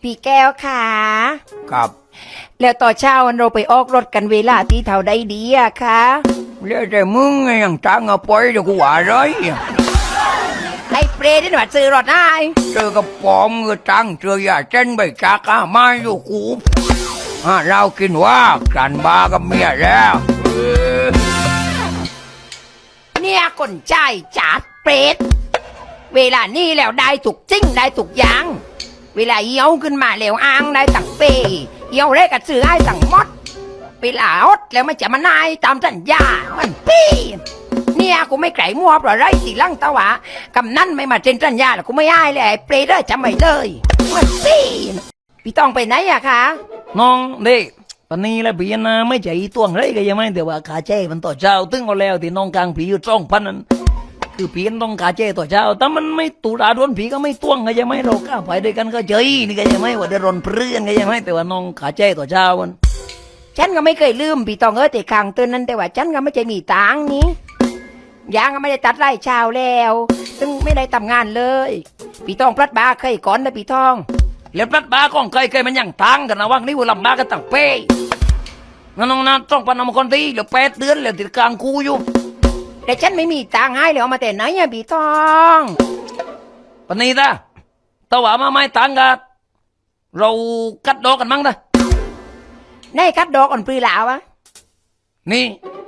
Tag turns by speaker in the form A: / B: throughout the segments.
A: พี่แก้วค่ะ
B: ครับ
A: แล้วต่อเช้าวันเราไปออกรถกันเวลาที่เท่าใดดีอะคะ
B: เรียกแต่มึงไงยังจ้างเอาไปเดี๋ยวกูว่าไร
A: ไอ้เปรย์ที่หนูซื้อรถได้
B: เจอกับปอมก็จ้างเจอยาเส้นใบจากอามาอยู่กูเรากินว่ากันบากับเมียแล้ว
A: เนี่ยคนใจจัดเปรตเวลานี้แล้วได้ถูกจริงได้ถูกอย่างเวลาเยี่ยวขึ้นมาแล้วอ้างได้ตั้งเปเยี่ยวเล็กกับซื้อให้ตั้งมดเวลาอดแล้วมันจะมานายตามสัญญามันปี้เนี่ยกูไม่ไก่มัวเพราะไรสิลังตะวะกำนั่นไม่มาเซ็นสัญญาแล้วกูไม่ให้เลยไอ้เปรตจำไม่เลยมันปี้พี่ต้องไปไหนอะคะ
B: น้องเด็กตอนนี้แล้วพี่นะไม่ใจตัวงเลยก็ยังไม่แต่ว่าขาเจ้มันต่อเช้าตึ้งเอาแล้วที่น้องกลางผีอยู่2,000นั้นคือพี่ต้องขาเจ้ต่อเช้าแต่มันไม่ตุลาดวนผีก็ไม่ต้วงก็ยังไม่เราก้าวไปด้วยกันก็เจยนี่ก็ยังไม่ว่าเดือดร้อนเพื่อนก็ยังไม่แต่ว่าน้องขาเจ้ต่อเช้ามัน
A: ฉันก็ไม่เคยลืมพี่ต้องแต่ครั้งเตือนนั้นแต่ว่าฉันก็ไม่ใจมีตังนี้ยางก็ไม่ได้ตัดไร่ชาวแล้วซึ่งไม่ได้ทำงานเลยพี่ต้องพลัดบาเคยก่อนนะพี่ทอง
B: แล้วพลัดบาของเคยมันยังตังกันนะว่างนี่ว่าลำบากกันตั้งเป้งั้นน้องนะต้องพันคนที่เหลือ8 เดือนแล้วติดกลางคูอยู่
A: แต่ฉันไม่มีตังให้เลยเอามาแต่ไหนอะพี่ทอง
B: ปนีตาตะว่ามาไม่ตังกันเรากัดดอกกันมั้งนะ
A: ในคัดดอกอ่อนปลีหลาวะ
B: นี่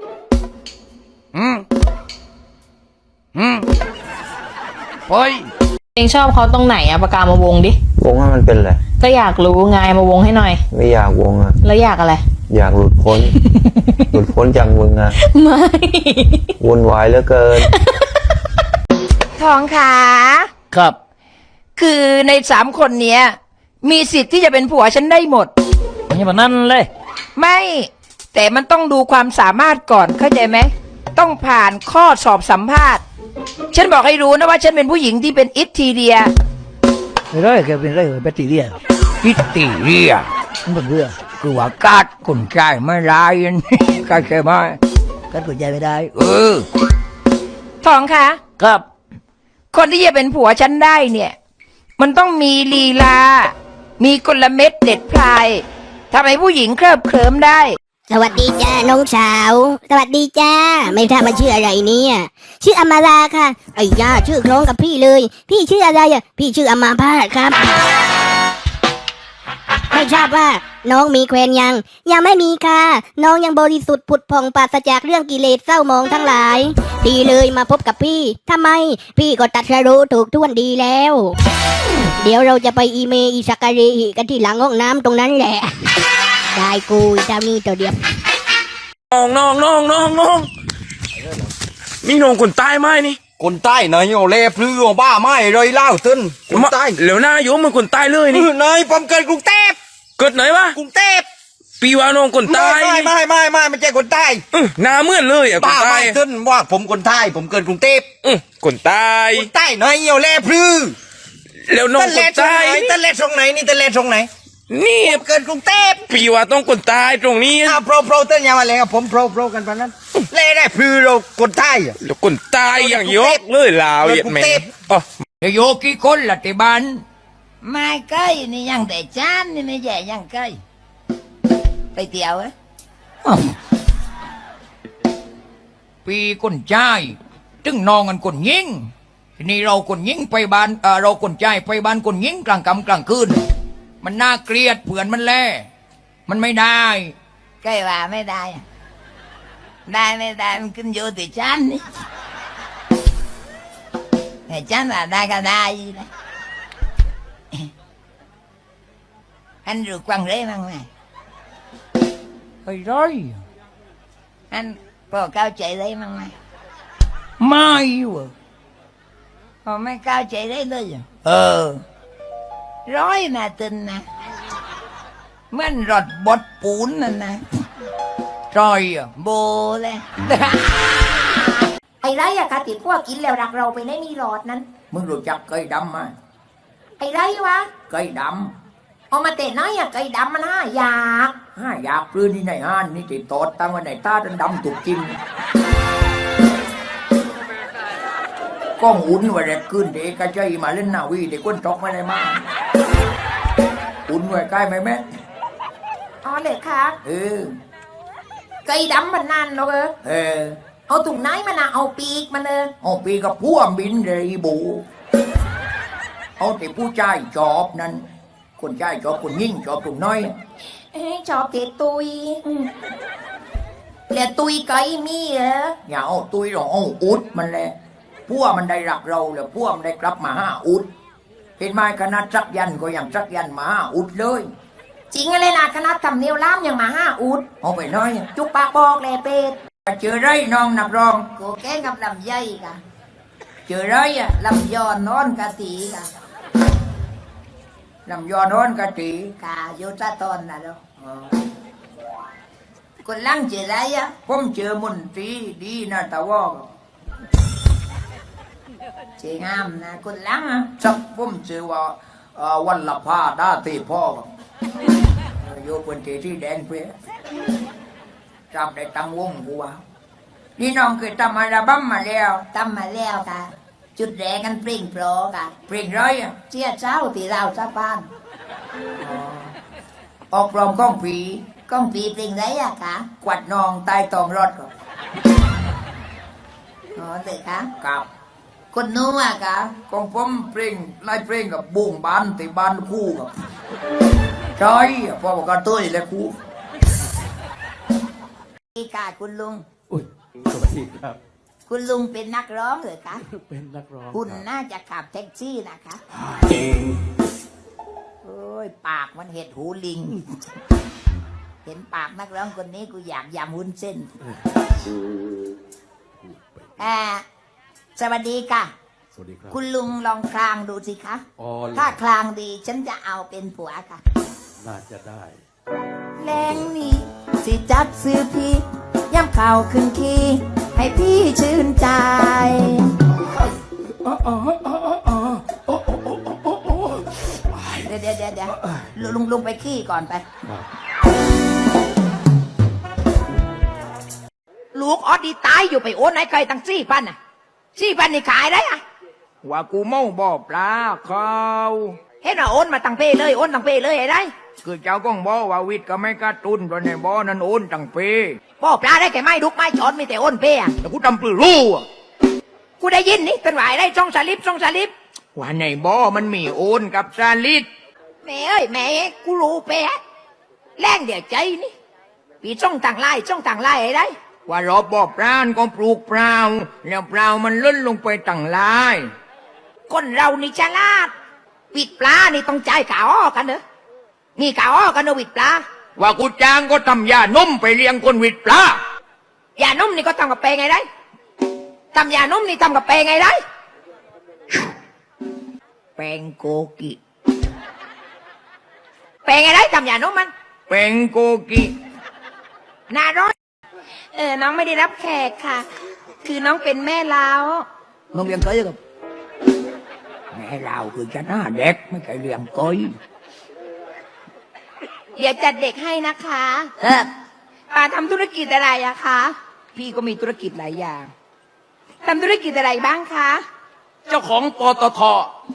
B: ไป
C: เองชอบเขาตรงไหนอะปากกามาวงดิ
D: วงให้มันเป็นอะไร
C: ก็อยากรู้ไงมาวงให้หน่อย
D: ไม่อยากวงอะ
C: แล้วอยากอะไร
D: อยากหลุดพ้น หลุดพ้นจากมึงอะ
C: ไม่
D: วุ่นวายเหลือเกิน
A: ทองขา
B: ครับ
A: คือใน3 คนเนี้ยมีสิทธิ์ที่จะเป็นผัวฉันได้หมด
B: นี่แบบนั้นเลย
A: ไม่แต่มันต้องดูความสามารถก่อนเข้าใจไหมต้องผ่านข้อสอบสัมภาษณ์ฉันบอกให้รู้นะว่าฉันเป็นผู้หญิงที่เป็นอิทธิเดีย
B: ไม่ได้แกเป็นไรเหรอเป็นตีเรียอิทธิเรียมันเป็นเรื่องคือว่ากาดคนใจไม่ร้ายนี่กาดใช่ไหมกาดคนใจไม่ได้
A: ทองคะ
B: ครับ
A: คนที่จะเป็นผัวฉันได้เนี่ยมันต้องมีลีลามีกลเม็ดเด็ดพลายทำให้ผู้หญิงเคลิบเคลิ้มได้
E: สวัสดีจ้าน้องสาวสวัสดีจ้าไม่ทราบมาชื่ออะไรเนี่ยชื่ออมาราค่ะไอ้ย่าชื่อคล้องกับพี่เลยพี่ชื่ออะไรอ่ะพี่ชื่ออมาพาสครับไม่ทราบว่าน้องมีแควนยังไม่มีค่ะน้องยังบริสุทธิ์ผุดผ่องปราศจากเรื่องกิเลสเศร้าหมองทั้งหลายพี่เลยมาพบกับพี่ทำไมพี่ก็ตัดสรู้ถูกท่วนดีแล้วเดี๋ยวเราจะไปอีเมอีสักการีกันที่หลังห้องน้ำตรงนั้นแหละได้กูเจ้านี่ตัวเดียว
F: น้องนี่น้องคนใต้ไหมนี่
B: คนใต้นายโอเล่พลื้อบ้าไม่เลยเล่าตึนคนใต้
F: เหลวหน้าโยมมันคนใต้เลยนี่
B: นายผมเกิดกรุงเทพ
F: เกิดไหนวะ
B: กรุงเทพ
F: ปีว่าน้องคนใต้
B: ไม่ไม่ใช่คนใต้
F: หน้าเหมือนเลยอ่ะคนใต้
B: ตึนว่าผมคนใต้ผมเกิดกรุงเทพ
F: คนใต้
B: นายโอเล่พลื้อ
F: แล้วน้องคนใต้
B: ตะเล็ดตรงไหนนี่ตะเล็ดตรงไหน
F: นี่
B: เกิดกรุงเทพ
F: ปีว่าต้องคนใต้ตรงนี้
B: โปรเต้นยังมาเลยครับผมโปรกันปะนั้นเล่ได้พลื้อเราคนใต้
F: แล้วคนใต้อย่างยกเลยลาวเหยียดแม่
B: โยกี่คนละที่บ้าน
A: ไม่ใกล้นี่ยังแต่จานนี่ไม่แย่ยังใกล้ไปเที่ยว
B: ปีคนใจตึงนองกันคนยิงทีนี้เราคนยิงไปบ้านเราคนใจไปบ้านคนยิงกลางค่ำกลางคืนมันน่าเกลียดเผื่อนมันแล่มันไม่ได้
A: ใกล้ว่าไม่ได้ได้ไม่ได้มันขึ้นอยู่ที่ฉันนี่แต่ฉันว่าได้ก็ได้นะอันรู้กวางเร่มั้งไหม
B: ไอ้ร้อย
A: อันพอเข้าใจได้มั้งไหม
B: ไม่วะ
A: พอไม่เข้าใจได้เลยร้อยนะตึนนะเหมือนรถบดปูนนั่นนะ
B: จอย
A: โบเลยไอ้ไรอะคะติดพวกกินแล้วรักเราไปได้มีหลอดนั้น
B: มึงรู้จักไก่ดำไหม
A: ไอ้ไรวะ
B: ไก่ด
A: ำเอามาเตะน้อยอะไก่ดำมัน5 อย
B: ากพื้นที่ไหนห้านนี่ติดตอดตั้งไว้ไหนตาดำถูกกินก็หุ่นว่าแรกขึ้นเด็กกระใจมาเล่นนาวีเด็กก้นจอกไม่ได้มา
A: อุ่นไว้ใกล้ไหมแม่อ๋อเลยค่ะไก่ดำมันนั่นหรอกเอาถุงไหนมันนะเอาปีกมันเอาปีกกับพวกบินเลยบูเอาแต่ผู้ชายจอบนั่นคนชายจอบคนยิ่งจอบถุงน้อยจอบเตะตุยแล้วตุยไก่มีเหรออย่าเอาตุยหรอกเอาอุดมันแหละพวกมันได้รักเราแล้วพวกมันได้กลับมาหาอุดเห็นไหมคณะจักยันก็ยังจักยันมาหาอุดเลยจริงเลยนะคณะทำเนียวล้ำยังมาห้าอุดเอาไปน้อยจุกปากบอกเลยเป็ดเจอไรน้องนับรองกูแก้กับลำไยกะเจอไรอะลำยอนนอนกะตีกะลำยอนนอนกะตีกะโยตาตอนนะเนาะคนลังเจอไรอะผมเจอมุนตรีดีนะตะวอกเจงามนะคนลังอะสักผมเจอว่าวันละผ้าด้าตีพ่อโยคนที่แดงเพื่อจำได้ตั้งวงกูว่านี่น้องเคยทำอัลบั้มมาแล้วทำมาแล้วค่ะจุดแรกกันเพลงโปรค่ะเพลงร้อยเชี่ยเช้าที่เราชาวบ้านออกปลอมก้องผีเพลงไรอะคะกวัดนองใต้ตองรถก่อนอ๋อเลยคะกับคนนู้นอะคะของผมเพลงไล่เพลงกับบุ้งบานติบานคู่กับใช่พ่อบอกกันตัวเลยคู่นี่ค่ะคุณลุง
G: สวัสดีครับ
A: คุณลุงเป็นนักร้องเหรอคะ
G: เป็นนักร้อง
A: คุณน่าจะขับแท็กซี่นะคะโอ้ยปากมันเห็ดหูลิง เห็นปากนักร้องคนนี้กูอยากยำวุ้นเส้นสวัสดีค่ะ
G: สวัสดีครับ
A: คุณลุงลองคลางดูสิคะ
G: อ๋อ
A: ถ้าคลางดีฉันจะเอาเป็นผัวค่ะ
G: น่าจะได้
A: แรงนี้สิจัดซื้อพี่ย่ำข่าวขึ้นคีให้พี่ชื่นใจเดี๋ยวลุงไปขี้ก่อนไป ลูกออดดีตายอยู่ไปโอนไหนใครตั้ง4,000น่ะ4,000นี่ขายได้อะว่ากูเมาบ่ปลาเขาเห็นว่าโอนมาตั้งเป้เลยโอนตั้งเป้เลยไอ้ได้คือเจ้าก้องบ่ว่าวิทย์ก็ไม่กระตุ้นเพราะในบ่นั้นโอนตั้งเป้บ่ปลาได้แค่ไม้ดุกไม้จอดมีแต่โอนเป้อะแต่กูทำปลือรู้อะกูได้ยินนี่เป็นหวายได้ช่องสลิปว่าในบ่มันมีโอนกับสลิปแม่เอ้ยแม่กูรู้เป้แรงเดี๋ยวใจนี่ปีช่องต่างไล่ไอ้ได้ว่ารอบบ่ปลาก็ปลูกเปล่าแล้วเปล่ามันล้นลงไปต่างไล่คนเรานี่ฉลาดวิดปลานี่ต้องจ่ายข่าวอ้อกันเนอะมีข่าวอ้อกันเนอะวิดปลาว่ากูจ้างก็ทำยานุ่มไปเลี้ยงคนวิดปลายานุ่มนี่ก็ทำกับเปไงได้ทำยานุ่มนี่ทำกับเปไงได้แปงโกกิเปไงได้ทำยานุ่มมันแปงโกกิน่าร้อนน้องไม่ได้รับแขกค่ะคือน้องเป็นแม่ลาวน้องเลี้ยงเคยกับแม่เราคือจะหน้าเด็กไม่เคยเลี้ยงก้อยเดี๋ยวจัดเด็กให้นะคะป้าทำธุรกิจอะไรอะคะพี่ก็มีธุรกิจหลายอย่างทำธุรกิจอะไรบ้างคะเจ้าของปตท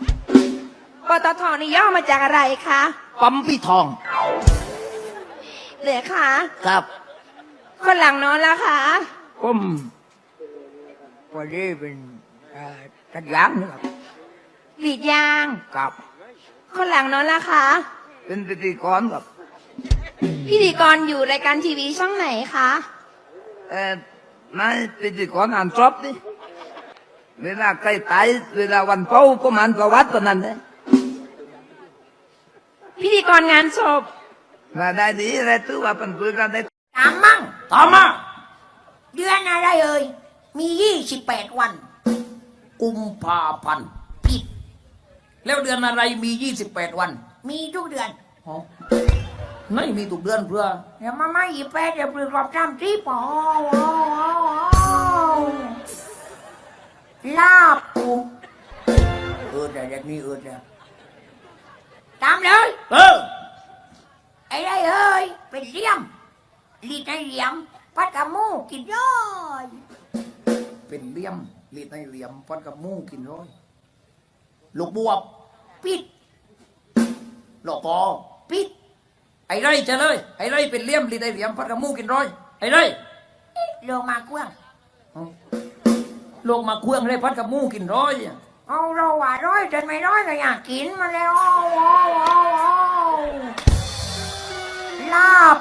A: นี่ย่อมาจากอะไรคะปั๊มพี่ทองเหลือคะครับคนหลังนอนแล้วคะผมพอดีเป็นตัดยางนะครับกรีดยางกับคนหลังนอนแล้วคะเป็นพิธีกรกับพิธีกรอยู่รายการทีวีช่องไหนคะนายพิธีกรอ่านจบดิเวลาใกล้ตายเวลาวันเผาก็มันประวัติตอนนั้นเลยพิธีกรงานศพมาได้ดีอะไรถือว่าเป็นเพื่อนได้ตามมั่งตามมาเดือนอะไรเอ่ยมี28วันกุมภาพันธ์ผิดแล้วเดือนอะไรมี28วันมีทุกเดือนไม่มีทุกเดือนเพื่ออย่ามาไม่28เดี๋ยวเปลือกรอบจ้ำที่ปอลาบปูแต่เด็กนี่เนี่ยตามเลยไอ้ได้เอ้ยเป็นเลี้ยมลีดในเหลี่ยมพัดกับมูกินย่อยเป็นเลี้ยมลีดในเหลี่ยมพัดกับมูกินย่อยลูกบวบปิดหลอกคอปิด
B: ไอ้ไรจะเลยไอ้ไรเป็นเลี่ยมลีได้เหลี่ยมพัดกับหมูกินร้อยไอ้ไร
A: ลงมากว้าง
B: ลงมาเครื่องเลยพัดกับหมูกินร้อย
A: เอาเราว่าร้อยจนไม่ร้อยก็อยากกินมาแล้วเอาลาบ